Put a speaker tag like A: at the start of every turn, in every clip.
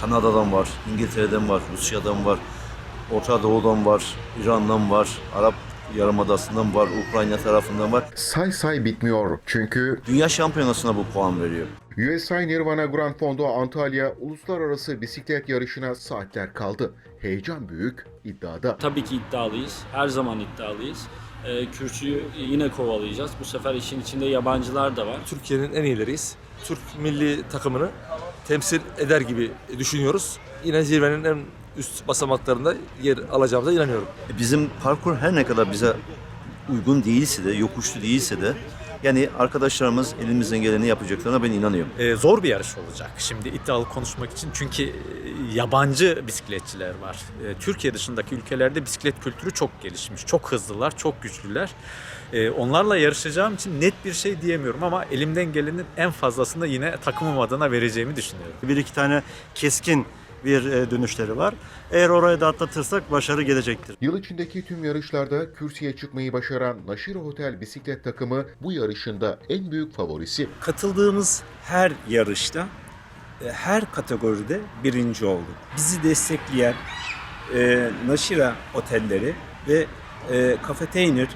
A: Kanada'dan var, İngiltere'den var, Rusya'dan var, Orta Doğu'dan var, İran'dan var, Arap Yarımadası'ndan var, Ukrayna tarafından var.
B: Say bitmiyor çünkü
A: Dünya Şampiyonası'na bu puan veriyor.
B: USA Nirvana Grand Fondo Antalya uluslararası bisiklet yarışına saatler kaldı. Heyecan büyük, iddiada.
C: Tabii ki iddialıyız. Her zaman iddialıyız. Kürsüyü yine kovalayacağız. Bu sefer işin içinde yabancılar da var.
D: Türkiye'nin en iyileriyiz. Türk milli takımını temsil eder gibi düşünüyoruz. Yine zirvenin en üst basamaklarında yer alacağımıza inanıyorum.
A: Bizim parkur her ne kadar bize uygun değilse de, yokuşlu değilse de yani arkadaşlarımız elimizden geleni yapacaklarına ben inanıyorum.
E: Zor bir yarış olacak şimdi iddialı konuşmak için çünkü yabancı bisikletçiler var. Türkiye dışındaki ülkelerde bisiklet kültürü çok gelişmiş, çok hızlılar, çok güçlüler. Onlarla yarışacağım için net bir şey diyemiyorum ama elimden gelenin en fazlasını yine takımım adına vereceğimi düşünüyorum.
F: Bir iki tane keskin bir dönüşleri var. Eğer orayı da atlatırsak başarı gelecektir.
B: Yıl içindeki tüm yarışlarda kürsüye çıkmayı başaran Naşiro Hotel bisiklet takımı bu yarışında en büyük favorisi.
G: Katıldığımız her yarışta, her kategoride birinci olduk. Bizi destekleyen Naşira otelleri ve Cafetainer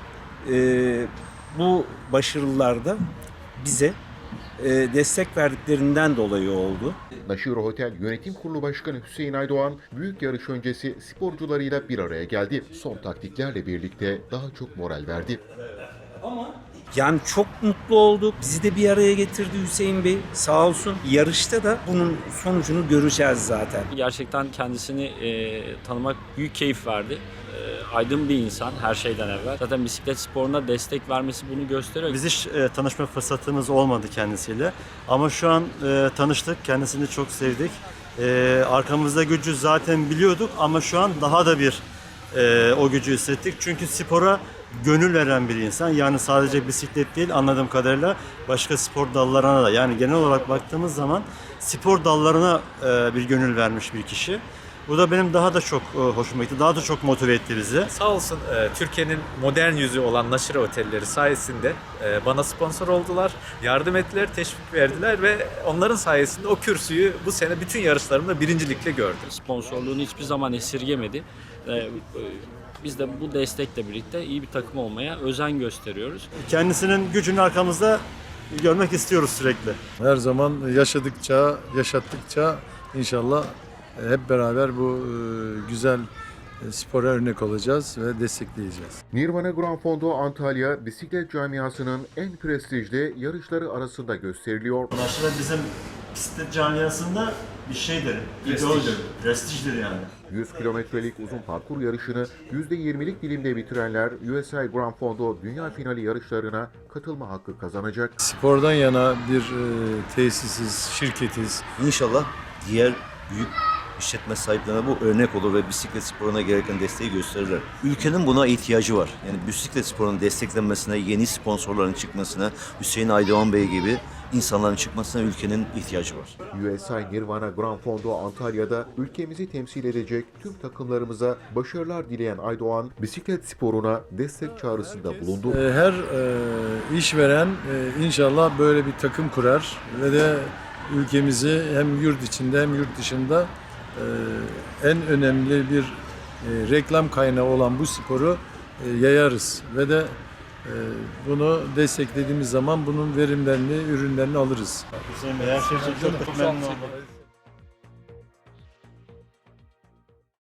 G: bu başarılarda bize destek verdiklerinden dolayı oldu.
B: Naşiro Hotel Yönetim Kurulu Başkanı Hüseyin Aydoğan, büyük yarış öncesi sporcularıyla bir araya geldi. Son taktiklerle birlikte daha çok moral verdi.
G: Yani çok mutlu olduk. Bizi de bir araya getirdi Hüseyin Bey. Sağ olsun. Yarışta da bunun sonucunu göreceğiz zaten.
C: Gerçekten kendisini tanımak büyük keyif verdi. Aydın bir insan her şeyden evvel. Zaten bisiklet sporuna destek vermesi bunu gösteriyor.
F: Biz hiç tanışma fırsatımız olmadı kendisiyle. Ama şu an tanıştık. Kendisini çok sevdik. Arkamızda gücü zaten biliyorduk ama şu an daha da bir o gücü hissettik. Çünkü spora gönül veren bir insan. Yani sadece bisiklet değil anladığım kadarıyla başka spor dallarına da yani genel olarak baktığımız zaman spor dallarına bir gönül vermiş bir kişi. Bu da benim daha da çok hoşuma gitti. Daha da çok motive etti bizi.
E: Sağ olsun Türkiye'nin modern yüzü olan Naşira Otelleri sayesinde bana sponsor oldular, yardım ettiler, teşvik verdiler ve onların sayesinde o kürsüyü bu sene bütün yarışlarımda birincilikle gördüm.
C: Sponsorluğunu hiçbir zaman esirgemedi. Biz de bu destekle birlikte iyi bir takım olmaya özen gösteriyoruz.
F: Kendisinin gücünü arkamızda görmek istiyoruz sürekli.
H: Her zaman yaşadıkça, yaşattıkça inşallah hep beraber bu güzel spora örnek olacağız ve destekleyeceğiz.
B: Nirvana Grand Fondo Antalya bisiklet camiasının en prestijli yarışları arasında gösteriliyor.
F: Naşira bizim bisiklet camiasında bir şeydir. İdeoldir. Prestijdir yani.
B: 100 kilometrelik uzun parkur yarışını %20'lik dilimde bitirenler USA Grand Fondo Dünya Finali yarışlarına katılma hakkı kazanacak.
H: Spordan yana bir tesisiz, şirketiz.
A: İnşallah diğer büyük işletme sahiplerine bu örnek olur ve bisiklet sporuna gereken desteği gösterirler. Ülkenin buna ihtiyacı var. Yani bisiklet sporunun desteklenmesine, yeni sponsorların çıkmasına, Hüseyin Aydoğan Bey gibi insanların çıkmasına ülkenin ihtiyacı var.
B: USA Nirvana Grand Fondo Antalya'da ülkemizi temsil edecek tüm takımlarımıza başarılar dileyen Aydoğan, bisiklet sporuna destek çağrısında bulundu.
H: Her işveren inşallah böyle bir takım kurar ve de ülkemizi hem yurt içinde hem yurt dışında en önemli bir reklam kaynağı olan bu sporu yayarız ve de bunu desteklediğimiz zaman bunun verimlerini, ürünlerini alırız.
F: Hüseyin Bey her şey için çok memnun oldum.